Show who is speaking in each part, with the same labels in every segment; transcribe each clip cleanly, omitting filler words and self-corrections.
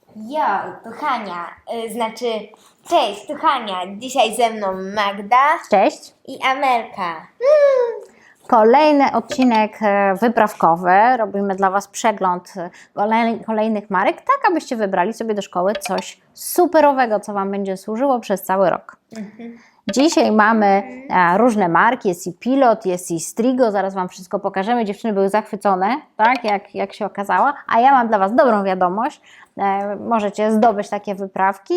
Speaker 1: Jo, to Hania, cześć, to Hania. Dzisiaj ze mną Magda
Speaker 2: Cześć.
Speaker 1: i Amelka.
Speaker 2: Kolejny odcinek wyprawkowy. Robimy dla Was przegląd kolejnych marek, tak abyście wybrali sobie do szkoły coś superowego, co Wam będzie służyło przez cały rok. Dzisiaj mamy różne marki, jest i Pilot, jest i Strigo, zaraz Wam wszystko pokażemy. Dziewczyny były zachwycone, tak, jak się okazało, a ja mam dla Was dobrą wiadomość. Możecie zdobyć takie wyprawki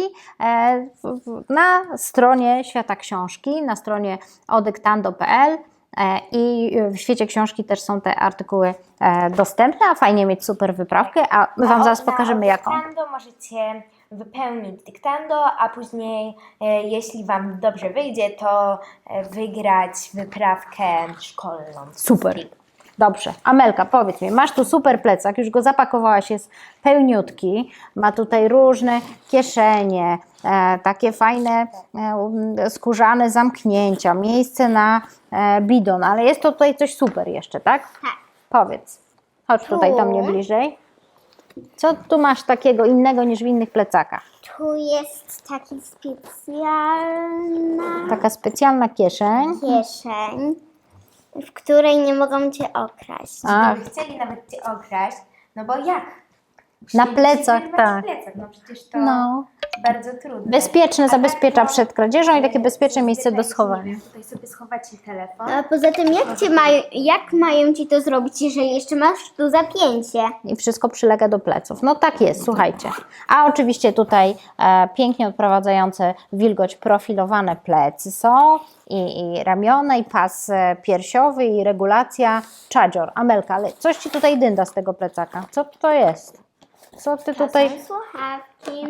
Speaker 2: na stronie Świata Książki, na stronie odyktando.pl. I w świecie książki też są te artykuły dostępne, a fajnie mieć super wyprawkę, a my Wam zaraz pokażemy jaką.
Speaker 1: Na dyktando możecie wypełnić dyktando, a później, jeśli Wam dobrze wyjdzie, to wygrać wyprawkę szkolną.
Speaker 2: Super. Dobrze. Amelka, powiedz mi, masz tu super plecak, już go zapakowałaś, jest pełniutki, ma tutaj różne kieszenie, takie fajne skórzane zamknięcia, miejsce na bidon, ale jest to tutaj coś super jeszcze, tak?
Speaker 3: Tak.
Speaker 2: Powiedz. Chodź tutaj do mnie bliżej. Co tu masz takiego innego niż w innych plecakach?
Speaker 3: Tu jest taki specjalna
Speaker 2: Taka specjalna kieszeń.
Speaker 3: kieszeń, w której nie mogą cię okraść.
Speaker 2: A,
Speaker 1: Gdyby chcieli nawet Cię okraść, no bo jak?
Speaker 2: Na
Speaker 1: Musieliby
Speaker 2: plecach,
Speaker 1: wyrwać
Speaker 2: tak.
Speaker 1: Plecak. No przecież to
Speaker 2: no.
Speaker 1: bardzo trudne.
Speaker 2: Bezpieczne,
Speaker 1: A
Speaker 2: zabezpiecza
Speaker 1: tak to,
Speaker 2: przed kradzieżą i takie bezpieczne miejsce do
Speaker 1: zwykle
Speaker 2: schowania.
Speaker 1: Tutaj sobie schowacie telefon.
Speaker 3: A poza tym jak mają ci to zrobić, jeżeli jeszcze masz tu zapięcie?
Speaker 2: I wszystko przylega do pleców. No tak jest, słuchajcie. A oczywiście tutaj pięknie odprowadzające wilgoć profilowane plecy są i ramiona, i pas piersiowy, i regulacja czadzior. Amelka, ale coś Ci tutaj dynda z tego plecaka. Co to jest? Co Ty tutaj...
Speaker 3: Są słuchawki,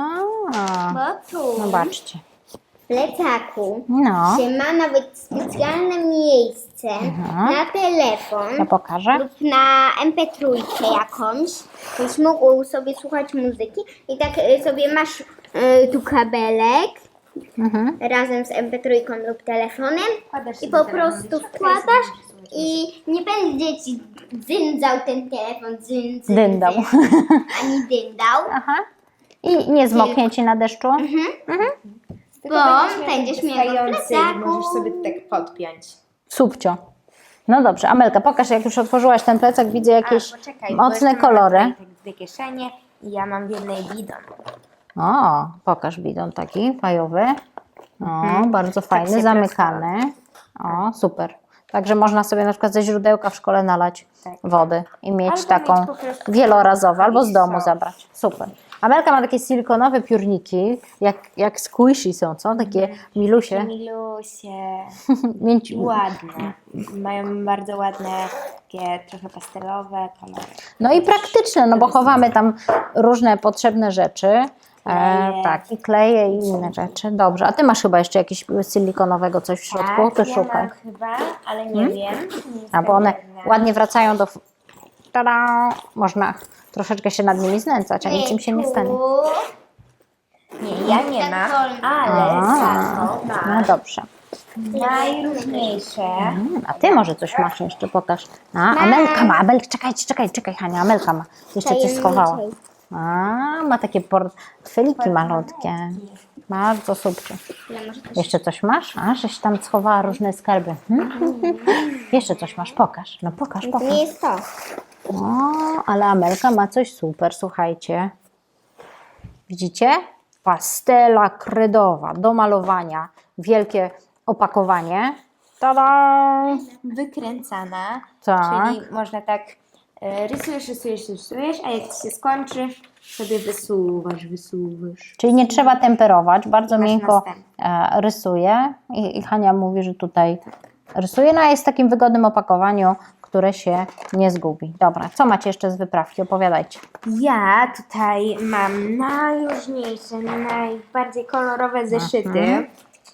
Speaker 2: A,
Speaker 3: bo tu
Speaker 2: zobaczcie.
Speaker 3: w plecaku
Speaker 2: No,
Speaker 3: się ma nawet specjalne miejsce na telefon
Speaker 2: ja pokażę.
Speaker 3: lub na MP3 jakąś, byś mógł sobie słuchać muzyki i tak sobie masz tu kabelek razem z MP3 lub telefonem
Speaker 1: Wkładasz
Speaker 3: i
Speaker 1: sobie
Speaker 3: po
Speaker 1: telefon
Speaker 3: prostu
Speaker 1: do środka
Speaker 3: wkładasz
Speaker 1: i
Speaker 3: i nie będzie ci dzyndał ten telefon,
Speaker 2: Dyndał.
Speaker 3: ani dyndał,
Speaker 2: Aha. I nie zmoknie Ci na deszczu?
Speaker 1: Tylko
Speaker 3: bo będziesz miał w
Speaker 1: wystający,
Speaker 3: plecaku.
Speaker 1: możesz sobie tak podpiąć.
Speaker 2: Subcio. No dobrze, Amelka, pokaż, jak już otworzyłaś ten plecak, widzę jakieś
Speaker 1: Poczekaj, bo
Speaker 2: mocne
Speaker 1: jeszcze mamy
Speaker 2: kolory.
Speaker 1: tutaj te dwie kieszenie i ja mam w jednej bidon.
Speaker 2: O, pokaż bidon taki fajowy. O, bardzo fajny,
Speaker 1: się
Speaker 2: zamykany. O, super. Także można sobie na przykład ze źródełka w szkole nalać
Speaker 1: Tak.
Speaker 2: wody i mieć
Speaker 1: Albo
Speaker 2: taką
Speaker 1: mieć po prostu
Speaker 2: wielorazową, albo z
Speaker 1: jakiś
Speaker 2: domu
Speaker 1: sok.
Speaker 2: zabrać. Super. Amelka ma takie silikonowe piórniki, jak squishy są, co? Takie milusie.
Speaker 1: Milusie.
Speaker 2: Mięci...
Speaker 1: Ładne. Mają bardzo ładne, takie trochę pastelowe kolory.
Speaker 2: No i praktyczne, no bo chowamy tam różne potrzebne rzeczy.
Speaker 1: Kleje.
Speaker 2: Tak, i kleje i inne rzeczy. Dobrze, a Ty masz chyba jeszcze jakieś silikonowego coś w środku?
Speaker 1: Tak,
Speaker 2: To
Speaker 1: ja
Speaker 2: szukaj.
Speaker 1: mam chyba, ale nie wiem. Nie
Speaker 2: A
Speaker 1: jestem
Speaker 2: bo one
Speaker 1: pewna.
Speaker 2: ładnie wracają do... Tada! Można troszeczkę się nad nimi znęcać, a nic im się nie stanie.
Speaker 1: Nie, ja nie mam, ale za to
Speaker 2: No
Speaker 1: mam
Speaker 2: dobrze.
Speaker 1: najróżniejsze.
Speaker 2: A Ty może coś masz jeszcze, pokaż. A, Amelka ma, czekaj, Hania, Amelka ma. Jeszcze coś schowała. A, ma takie portfeliki malutkie. Bardzo super. Jeszcze coś masz? A, żeś tam schowała różne skarby. Jeszcze coś masz? Pokaż. No pokaż.
Speaker 3: To nie jest to.
Speaker 2: O, ale Amelka ma coś super, słuchajcie. Widzicie? Pastela kredowa do malowania. Wielkie opakowanie. Tada!
Speaker 1: Wykręcana,
Speaker 2: Tak.
Speaker 1: czyli można tak rysujesz, a jak ci się skończy, sobie wysuwasz.
Speaker 2: Czyli nie trzeba temperować, bardzo
Speaker 1: Masz
Speaker 2: miękko
Speaker 1: następny.
Speaker 2: rysuje i Hania mówi, że tutaj rysuje, no a jest w takim wygodnym opakowaniu, które się nie zgubi. Dobra, co macie jeszcze z wyprawki? Opowiadajcie.
Speaker 1: Ja tutaj mam najróżniejsze, najbardziej kolorowe zeszyty.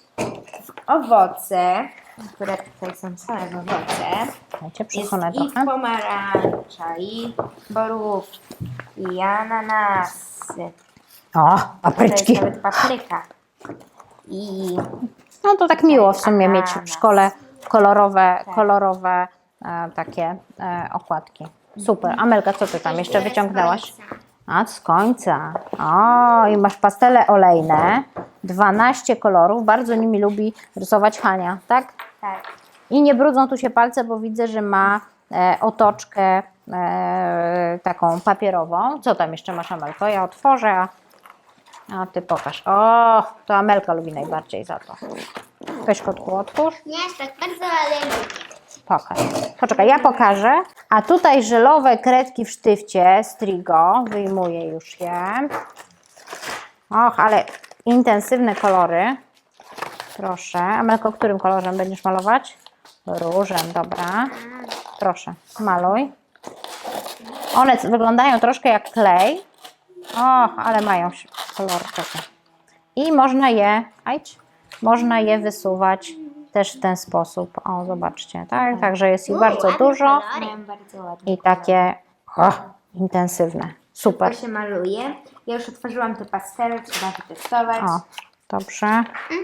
Speaker 1: Owoce, które tutaj są same owoce.
Speaker 2: Dajcie,
Speaker 1: Jest
Speaker 2: przesunę
Speaker 1: i
Speaker 2: trochę.
Speaker 1: pomarańcza, i borówki, i ananasy.
Speaker 2: O,
Speaker 1: To jest
Speaker 2: papryczki.
Speaker 1: nawet papryka. I
Speaker 2: No to tak miło w sumie mieć w
Speaker 1: Ananas.
Speaker 2: szkole kolorowe takie okładki. Super. Amelka, co Ty tam jeszcze wyciągnęłaś? A z końca. O, i masz pastele olejne. 12 kolorów. Bardzo nimi lubi rysować Hania, tak?
Speaker 1: Tak.
Speaker 2: I nie brudzą tu się palce, bo widzę, że ma otoczkę taką papierową. Co tam jeszcze masz, Amelko? Ja otworzę, a ty pokaż. O, to Amelka lubi najbardziej za to. Weź, kotku, otwórz.
Speaker 3: Nie aż tak bardzo, ale lubię.
Speaker 2: Pokaż. Poczekaj, ja pokażę. A tutaj żelowe kredki w sztywcie Strigo. Wyjmuję już je. Och, ale intensywne kolory. Proszę. Amelko, którym kolorem będziesz malować? Różem, dobra. Proszę, maluj. One wyglądają troszkę jak klej. Och, ale mają kolor taki. I można je wysuwać też w ten sposób. O, zobaczcie, tak? Także jest ich bardzo dużo
Speaker 1: Mają bardzo ładnie.
Speaker 2: i takie intensywne. Super.
Speaker 1: To się maluje. Ja już otworzyłam te pastele, trzeba wytestować.
Speaker 2: O, dobrze.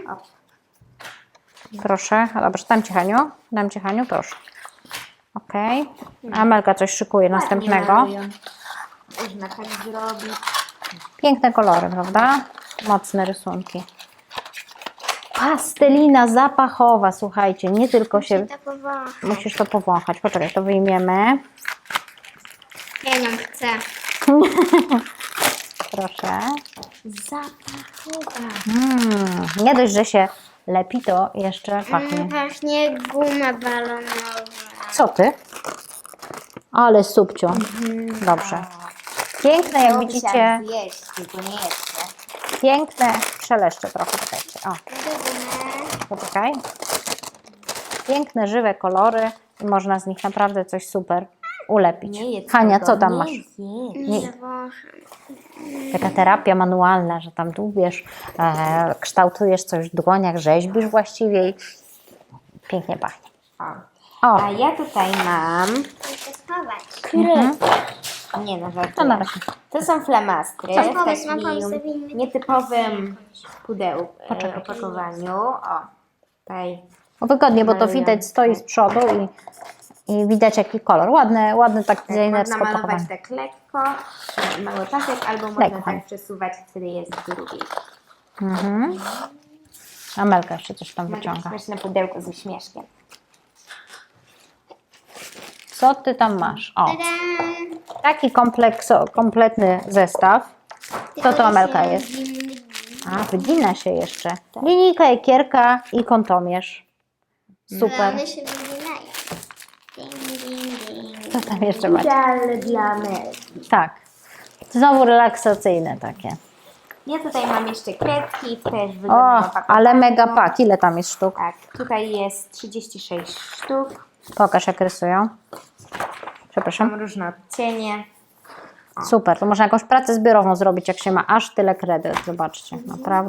Speaker 2: Proszę, dobrze, dam Ci Haniu, proszę. Okej. Amelka coś szykuje następnego.
Speaker 1: Ładnie malują. Można tak zrobić.
Speaker 2: Piękne kolory, prawda? Mocne rysunki. Pastelina zapachowa, słuchajcie, nie tylko się...
Speaker 3: To powoli.
Speaker 2: Musisz to powąchać. Poczekaj, to wyjmiemy.
Speaker 3: Ja nie chcę.
Speaker 2: Proszę.
Speaker 1: Zapachowa.
Speaker 2: Nie dość, że się lepi, to jeszcze pachnie.
Speaker 3: Właśnie guma balonowa.
Speaker 2: Co ty? Ale subcio. Dobrze. Piękne, jak widzicie,
Speaker 1: Zjeść, tylko nie jeszcze.
Speaker 2: piękne, szeleszcze trochę, czekajcie. O, poczekaj. Piękne, żywe kolory i można z nich naprawdę coś super ulepić.
Speaker 1: Nie jedz
Speaker 2: Hania,
Speaker 1: tego,
Speaker 2: co tam
Speaker 1: nie
Speaker 2: masz?
Speaker 1: zjedz.
Speaker 3: Nie zawącham.
Speaker 2: Taka terapia manualna, że tam dłubiesz, kształtujesz coś w dłoniach, rzeźbisz właściwie i pięknie pachnie. O,
Speaker 1: A ja tutaj mam
Speaker 3: Muszę schować.
Speaker 1: Nie, no żartuję.
Speaker 2: to na razie.
Speaker 1: To są flamastry
Speaker 3: Co?
Speaker 1: w
Speaker 3: Pomysł, mam
Speaker 1: takim
Speaker 3: pomysł,
Speaker 1: nietypowym pudełku, opakowaniu. O, tutaj
Speaker 2: Wygodnie, bo to
Speaker 1: Maluję.
Speaker 2: widać, stoi z przodu i widać jaki kolor. Ładny taki
Speaker 1: tak,
Speaker 2: designersko
Speaker 1: można malować
Speaker 2: opakowany.
Speaker 1: tak lekko, mały pasek, albo można
Speaker 2: Lekko.
Speaker 1: tak przesuwać, wtedy jest drugi.
Speaker 2: Amelka jeszcze coś tam wyciąga.
Speaker 1: Śmieszne pudełko z uśmieszkiem.
Speaker 2: Co ty tam masz? O,
Speaker 3: Tadam!
Speaker 2: taki kompletny zestaw. Co to, Amelka, jest? A, wygina się jeszcze. Linijka, ekierka i kątomierz. Super.
Speaker 3: One się wyginają. Ding, ding, ding.
Speaker 2: Co tam jeszcze macie?
Speaker 1: Idealne dla Melki.
Speaker 2: Tak. Znowu relaksacyjne takie.
Speaker 1: Ja tutaj mam jeszcze kredki, też
Speaker 2: O,
Speaker 1: wygodnym opakowaniu.
Speaker 2: ale mega pak. Ile tam jest sztuk?
Speaker 1: Tak, tutaj jest 36 sztuk.
Speaker 2: Pokaż, jak rysują. Przepraszam.
Speaker 1: Mam różne odcienie.
Speaker 2: Super, to można jakąś pracę zbiorową zrobić, jak się ma aż tyle kredyt. Zobaczcie,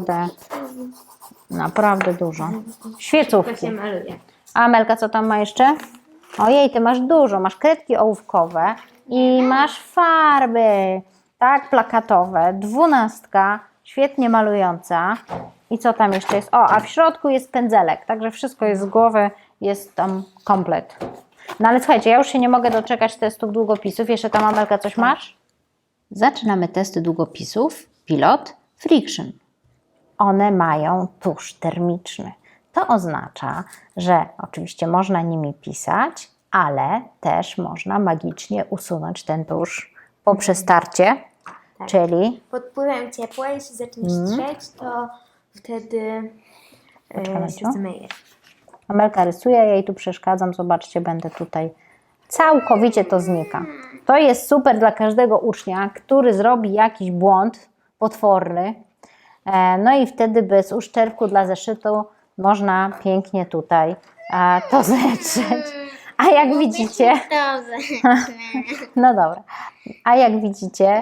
Speaker 2: naprawdę dużo.
Speaker 1: To
Speaker 2: Świecówki.
Speaker 1: się maluje.
Speaker 2: A Amelka, co tam ma jeszcze? Ojej, ty masz dużo. Masz kredki ołówkowe i masz farby, tak, plakatowe. 12, świetnie malująca. I co tam jeszcze jest? O, a w środku jest pędzelek, także wszystko jest z głowy, jest tam komplet. No ale słuchajcie, ja już się nie mogę doczekać testów długopisów. Jeszcze tam, Amelka, coś masz? Zaczynamy testy długopisów Pilot Friction. One mają tusz termiczny. To oznacza, że oczywiście można nimi pisać, ale też można magicznie usunąć ten tusz po przestarcie,
Speaker 1: Tak.
Speaker 2: czyli
Speaker 1: Pod wpływem ciepła, jeśli zacznie strzeć, to wtedy
Speaker 2: Poczekaj,
Speaker 1: się
Speaker 2: Maciu.
Speaker 1: zmyje.
Speaker 2: Amelka rysuje, ja jej tu przeszkadzam, zobaczcie, będę tutaj, całkowicie to znika. To jest super dla każdego ucznia, który zrobi jakiś błąd potworny, no i wtedy bez uszczerbku dla zeszytu można pięknie tutaj to zetrzeć. A jak widzicie,
Speaker 3: Dobrze.
Speaker 2: no dobra, a jak widzicie,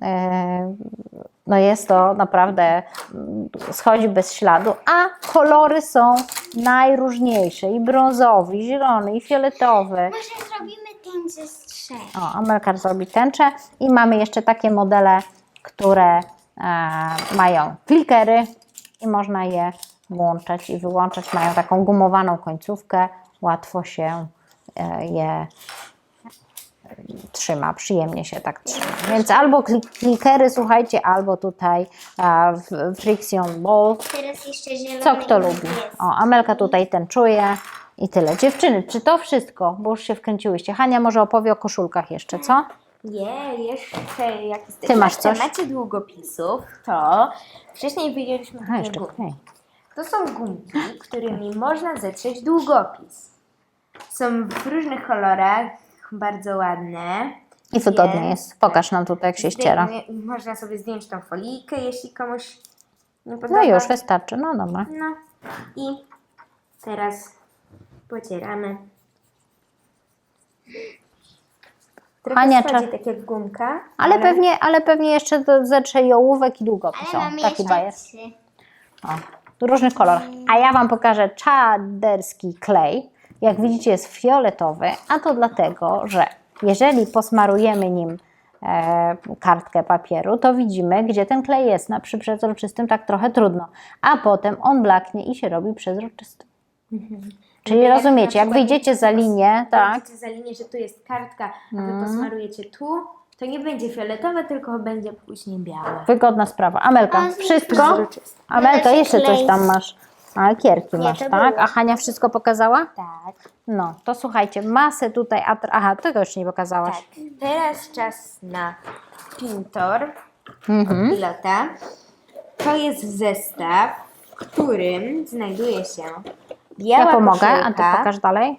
Speaker 2: no jest to naprawdę, schodzi bez śladu, a kolory są najróżniejsze, i brązowy, i zielony, i fioletowy.
Speaker 3: Może zrobimy ten ze strzech.
Speaker 2: O, Amelka zrobi tęczę i mamy jeszcze takie modele, które mają klikery i można je włączać i wyłączać. Mają taką gumowaną końcówkę, łatwo się je trzyma, przyjemnie się tak trzyma. Więc albo klikery, słuchajcie, albo tutaj Friction Ball.
Speaker 3: Teraz jeszcze zielony.
Speaker 2: Co kto
Speaker 3: i
Speaker 2: lubi.
Speaker 3: niebieski.
Speaker 2: O, Amelka tutaj ten czuje i tyle. Dziewczyny, czy to wszystko? Bo już się wkręciłyście. Hania może opowie o koszulkach jeszcze, co?
Speaker 1: Nie, jeszcze jak jesteśmy
Speaker 2: Ty masz
Speaker 1: w
Speaker 2: coś?
Speaker 1: temacie długopisów, to wcześniej wyjęliśmy
Speaker 2: A,
Speaker 1: takie
Speaker 2: jeszcze
Speaker 1: gumki.
Speaker 2: klej.
Speaker 1: To są gumki, którymi można zetrzeć długopis. Są w różnych kolorach, bardzo ładne.
Speaker 2: I wygodnie
Speaker 1: Więc
Speaker 2: jest. Pokaż nam tutaj, jak się ściera.
Speaker 1: Można sobie zdjąć tą folijkę, jeśli komuś nie podoba.
Speaker 2: No już, wystarczy. No dobra.
Speaker 1: No i teraz pocieramy. Trochę
Speaker 2: Ania,
Speaker 1: schodzi tak jak gumka.
Speaker 2: Ale pewnie jeszcze zetrze i ołówek i długopis.
Speaker 3: Ale
Speaker 2: O,
Speaker 3: mamy
Speaker 2: taki
Speaker 3: jeszcze
Speaker 2: bajer.
Speaker 3: 3.
Speaker 2: O, w różnych kolorach. A ja Wam pokażę czaderski klej. Jak widzicie, jest fioletowy, a to dlatego, że jeżeli posmarujemy nim kartkę papieru, to widzimy, gdzie ten klej jest. Przy przezroczystym tak trochę trudno, a potem on blaknie i się robi przezroczysty. Czyli
Speaker 1: Jak
Speaker 2: rozumiecie,
Speaker 1: na
Speaker 2: jak
Speaker 1: przykład
Speaker 2: wyjdziecie za linię, tak,
Speaker 1: Wyjdziecie za linię, że tu jest kartka, a wy posmarujecie tu, to nie będzie fioletowe, tylko będzie później białe.
Speaker 2: wygodna sprawa. Amelka, wszystko?
Speaker 1: Przezroczyste.
Speaker 2: Amelka, jeszcze coś
Speaker 3: klej.
Speaker 2: tam masz. A, lakierki masz,
Speaker 3: to
Speaker 2: tak?
Speaker 3: było.
Speaker 2: A Hania wszystko pokazała?
Speaker 1: Tak,
Speaker 2: No, to słuchajcie, masę tutaj, aha, tego jeszcze nie pokazałaś.
Speaker 1: tak. Teraz czas na Pintor
Speaker 2: Mhm.
Speaker 1: Pilota. To jest zestaw, w którym znajduje się biała
Speaker 2: Ja pomogę, a
Speaker 1: koszulka.
Speaker 2: ty pokaż dalej.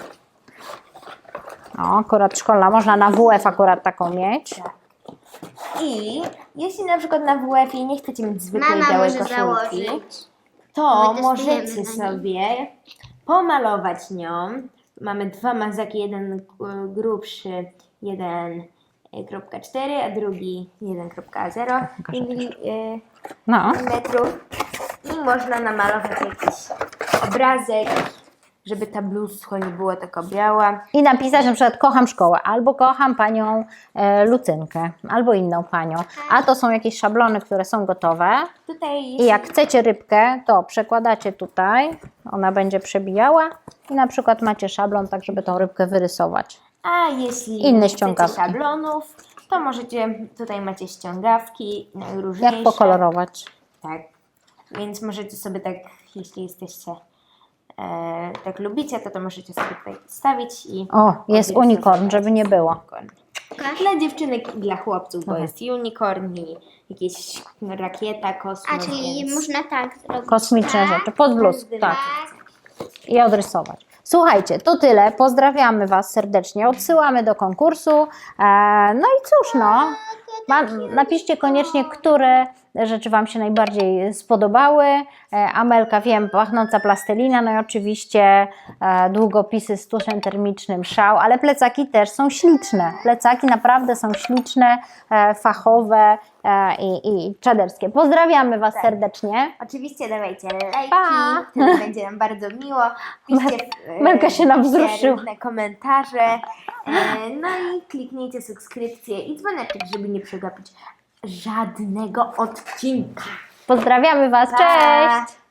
Speaker 2: O, akurat szkolna, można na WF akurat taką mieć.
Speaker 1: I jeśli na przykład na WF-ie nie chcecie mieć zwykłej
Speaker 3: Mama
Speaker 1: białej
Speaker 3: może
Speaker 1: koszulki,
Speaker 3: założyć.
Speaker 1: to
Speaker 3: My
Speaker 1: możecie
Speaker 3: testujemy na
Speaker 1: sobie pomalować nią. Mamy dwa mazaki, jeden grubszy, 1,4, a drugi 1,0
Speaker 2: No,
Speaker 1: metrów. I można namalować jakiś obrazek, żeby ta bluzka nie była taka biała.
Speaker 2: i napisać na przykład kocham szkołę, albo kocham panią Lucynkę, albo inną panią. A to są jakieś szablony, które są gotowe.
Speaker 1: Tutaj
Speaker 2: I
Speaker 1: jeśli
Speaker 2: jak chcecie rybkę, to przekładacie tutaj, ona będzie przebijała i na przykład macie szablon, tak żeby tą rybkę wyrysować.
Speaker 1: A jeśli
Speaker 2: Inne
Speaker 1: nie chcecie
Speaker 2: ściągawki.
Speaker 1: szablonów, to możecie, tutaj macie ściągawki najróżniejsze.
Speaker 2: Jak pokolorować?
Speaker 1: Tak, więc możecie sobie tak, jeśli jesteście, tak lubicie, to możecie sobie tutaj wstawić i...
Speaker 2: O, jest
Speaker 1: odrysować.
Speaker 2: unicorn, żeby nie było.
Speaker 1: Unicorn. Dla dziewczynek i dla chłopców, bo jest unicorn i jakieś rakieta, kosmos,
Speaker 3: A czyli
Speaker 1: więc...
Speaker 3: można tak zrobić.
Speaker 2: Kosmiczne
Speaker 3: tak,
Speaker 2: rzeczy, pod bluzkę, tak.
Speaker 3: tak.
Speaker 2: I odrysować. Słuchajcie, to tyle. Pozdrawiamy Was serdecznie. Odsyłamy do konkursu. No i cóż, no. Napiszcie koniecznie, które rzeczy Wam się najbardziej spodobały. Amelka, wiem, pachnąca plastelina, no i oczywiście długopisy z tuszem termicznym, szał, ale plecaki też są śliczne. Plecaki naprawdę są śliczne, fachowe i czaderskie. Pozdrawiamy Was serdecznie.
Speaker 1: Oczywiście dawajcie lajki,
Speaker 2: Pa!
Speaker 1: wtedy będzie nam bardzo miło. Piszcie
Speaker 2: Melka się nam wzruszyła.
Speaker 1: różne komentarze. No i kliknijcie subskrypcję i dzwoneczek, żeby nie przegapić żadnego odcinka.
Speaker 2: Pozdrawiamy Was,
Speaker 1: Pa!
Speaker 2: cześć!